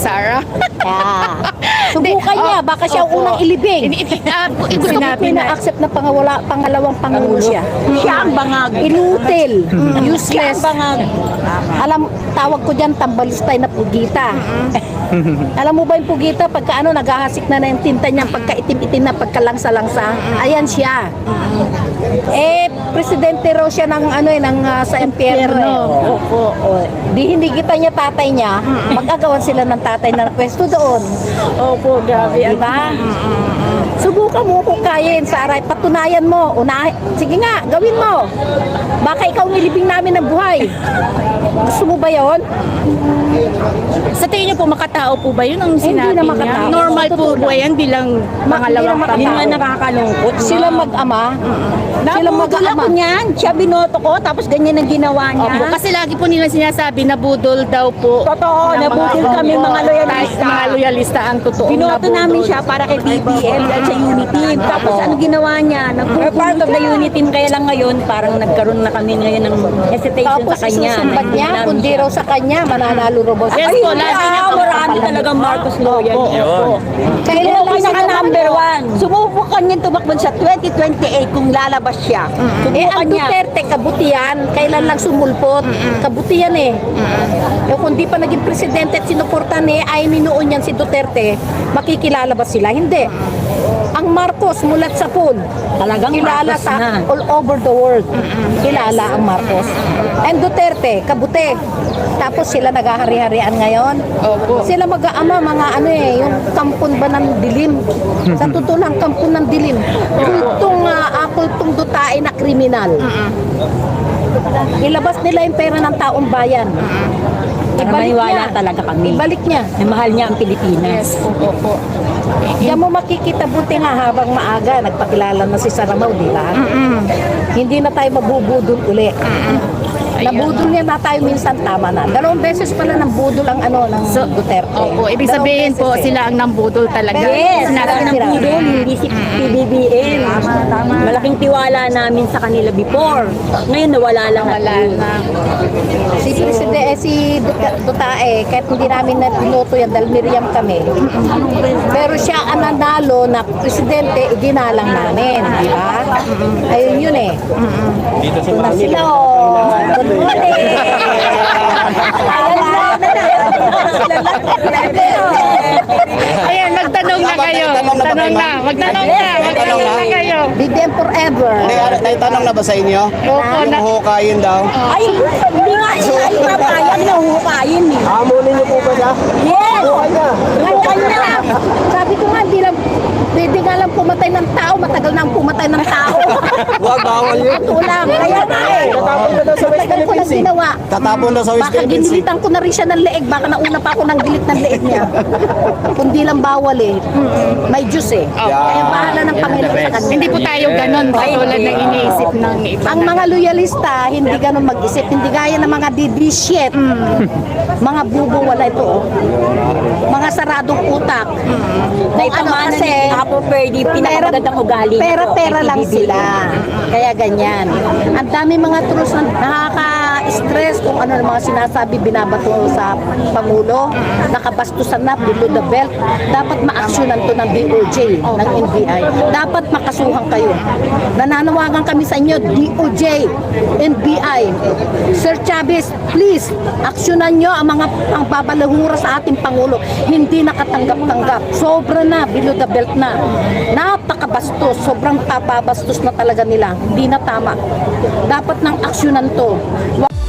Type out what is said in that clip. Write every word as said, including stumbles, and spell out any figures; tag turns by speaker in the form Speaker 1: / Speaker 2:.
Speaker 1: Sara.
Speaker 2: Yeah. Subukan niya,
Speaker 1: Oh,
Speaker 2: baka siya ang
Speaker 1: opo.
Speaker 2: unang ilibing.
Speaker 1: Ini- ini- ah, gu- gusto ko
Speaker 2: Sinabi na accept na pangawala, pangalawang pangulo siya.
Speaker 3: Siya ang bangag.
Speaker 2: Inutil,
Speaker 3: Siya
Speaker 2: useless.
Speaker 3: ang bangag.
Speaker 2: Alam, tawag ko dyan, tambalistay na pugita. Alam mo ba yung pugita, pagka ano, naghahasik na na yung tinta niya, pagka itim-itim na, pagka langsa-langsa. Ayan siya. Eh, presidente raw siya ng ano eh, ng ah, sa impyerno. Eh. Opo, o. Di hindi kita niya tatay niya, magagawan sila ng tatay na pwesto doon.
Speaker 3: Opo, grabe.
Speaker 2: Di ba? Subukan mo kung kayain, Saray. Patunayan mo. Una, sige nga, gawin mo. Baka ikaw nilibing namin ng buhay. Gusto mo ba yon?
Speaker 1: Sa tingin niyo po, makatao po ba yun ang
Speaker 2: Hindi
Speaker 1: sinabi
Speaker 2: na
Speaker 1: niya?
Speaker 2: makatao.
Speaker 1: Normal po
Speaker 2: Totoo
Speaker 1: ba
Speaker 2: lang.
Speaker 1: yan bilang
Speaker 2: Ma-
Speaker 1: pangalawang
Speaker 2: hindi na
Speaker 3: Yun nga
Speaker 1: pangulo?
Speaker 3: nakakalungkot.
Speaker 2: Sila mag-ama. Sila
Speaker 3: Nabudol
Speaker 2: mag-ama.
Speaker 3: ako niyan. Siya binoto ko, tapos ganyan ang ginawa niya.
Speaker 1: Opo, kasi lagi po nila sinasabi na budol daw po.
Speaker 3: Totoo,
Speaker 1: ng
Speaker 3: nabudol
Speaker 1: mga-
Speaker 3: kami, mga loyalista.
Speaker 1: Mga loyalista ang totoo.
Speaker 3: Binoto namin siya para kay B B M at sa Uniteam. Tapos ano ginawa niya? Nagpupuno part of the Uniteam, kaya lang ngayon parang nagkaroon na kami ngayon ng hesitation
Speaker 2: Tapos
Speaker 3: sa kanya.
Speaker 2: isusumbat niya,
Speaker 3: Namin
Speaker 2: kundi
Speaker 3: siya.
Speaker 2: raw sa kanya, mananalo raw ba siya?
Speaker 1: Yes po, lagi niya
Speaker 3: ah,
Speaker 1: po.
Speaker 3: marami talagang Marcos loyal. Opo.
Speaker 2: Kailan
Speaker 3: Kailan
Speaker 2: lang
Speaker 3: siya
Speaker 2: sila
Speaker 3: number one. Subukan niya tumakbo sa twenty twenty-eight kung lalabas siya.
Speaker 2: Eh,
Speaker 3: Subukan
Speaker 2: ang
Speaker 3: niya.
Speaker 2: Duterte, kabutihan, kailan lang sumulpot? Kabutihan eh. Eh, kung di pa naging presidente at sinuportan eh, ay minuon yan si Duterte, makikilala ba sila? Hindi. Ang Marcos mulat sa pool.
Speaker 3: Talagang
Speaker 2: Kilala
Speaker 3: Marcos
Speaker 2: sa
Speaker 3: na.
Speaker 2: all over the world. Kilala ang Marcos. And Duterte, kabute. Tapos sila naghahari-harian ngayon.
Speaker 1: Opo.
Speaker 2: Sila mag-aama, mga ano eh, yung kampon ba ng dilim. Sa totoo lang, kampon ng dilim. Kultong, uh, kultong dutae na kriminal. Ilabas nila yung pera ng taong bayan.
Speaker 3: Para maniwala talaga kami.
Speaker 2: Ibalik niya.
Speaker 3: Na mahal niya ang Pilipinas.
Speaker 1: Opo.
Speaker 2: Diyan mo makikita, buti nga habang maaga, nagpakilala na si Saramaw, di ba? Hindi na tayo mabubudol uli. Nabudol niya na tayo minsan, tama na. Dalawang beses pala nang budol ang ano ng
Speaker 1: So,
Speaker 2: Duterte.
Speaker 1: Opo, ibig
Speaker 2: Dalawang
Speaker 1: sabihin
Speaker 2: beses
Speaker 1: po,
Speaker 2: eh.
Speaker 1: sila ang nambudol talaga.
Speaker 3: Yes,
Speaker 1: Sinabi
Speaker 3: sila
Speaker 1: ng
Speaker 3: ng budol, hindi si P B B M. Malaking tiwala namin sa kanila before. Ngayon nawala lang
Speaker 1: wala
Speaker 3: natin.
Speaker 1: na.
Speaker 2: Si Presidente, eh, si Dut- Dutae, kahit hindi namin na binoto yan dahil Miriam kami. Pero siya ang nanalo na presidente, iginalang namin, di ba? Ayun yun eh. Dito na sila, oh. Good morning.
Speaker 1: Ayan, magtanong na kayo.
Speaker 4: Tanong na ba
Speaker 1: Tanong
Speaker 4: kayo,
Speaker 1: na.
Speaker 4: ma'am?
Speaker 1: Magtanong na. Magtanong na kayo.
Speaker 2: Be them forever.
Speaker 4: Hindi, ano, may tanong na ba sa inyo?
Speaker 1: Opo,
Speaker 4: Yung
Speaker 1: na.
Speaker 4: hukayin daw.
Speaker 3: Ay, hindi nga siya ipapayan na hukayin eh.
Speaker 4: Hamunin niyo po ba siya?
Speaker 3: Yes! Hukay na!
Speaker 2: Sabi ko nga, hindi lang, pwede nga lang pumatay ng tao, matagal na ang pumatay ng tao.
Speaker 4: Huwag, bawal yun.
Speaker 2: Ito lang, kaya nga eh.
Speaker 4: Tatapon na daw sa West
Speaker 2: Matagal ko lang
Speaker 4: Philippines eh.
Speaker 2: ginawa.
Speaker 4: Tatapon daw sa West
Speaker 2: Baka
Speaker 4: Philippines eh.
Speaker 2: ginilitan ko na rin siya ng leeg, baka nauna pa ako ng gilit ng leeg niya. Kundi lang bawal eh. May Diyos eh. Kaya bahala ng Panginoon sa kanya.
Speaker 1: Hindi po tayo ganon katulad ng iniisip ng iba.
Speaker 2: Ang mga loyalista, hindi ganun mag-isip. Hindi gaya ng mga didishit. Mga bubo, wala ito. oh. Mga saradong utak.
Speaker 3: Na
Speaker 2: Kung ano
Speaker 3: ipamana
Speaker 2: kasi,
Speaker 3: ni Apo Ferdy, pinakamagandang ugali. nito,
Speaker 2: pera-pera
Speaker 3: kay
Speaker 2: lang
Speaker 3: P B B M.
Speaker 2: sila. Kaya ganyan. Ang dami mga trus na nakaka-stress kung ano ang mga sinasabi, binabato sa Pangulo. Nakabastusan na, below the belt. Dapat ma-actionan to ng D O J, ng N B I. Dapat makasuhan kayo. Nananawagan kami sa inyo, D O J, N B I. Sir Chavez, please, aksyonan nyo ang mga pangbabalahura sa ating Pangulo. Hindi nakatanggap-tanggap. Sobra na, below the belt na. Napakabastos. Sobrang papabastos na talaga nila. Hindi na tama. Dapat ng aksyonan to.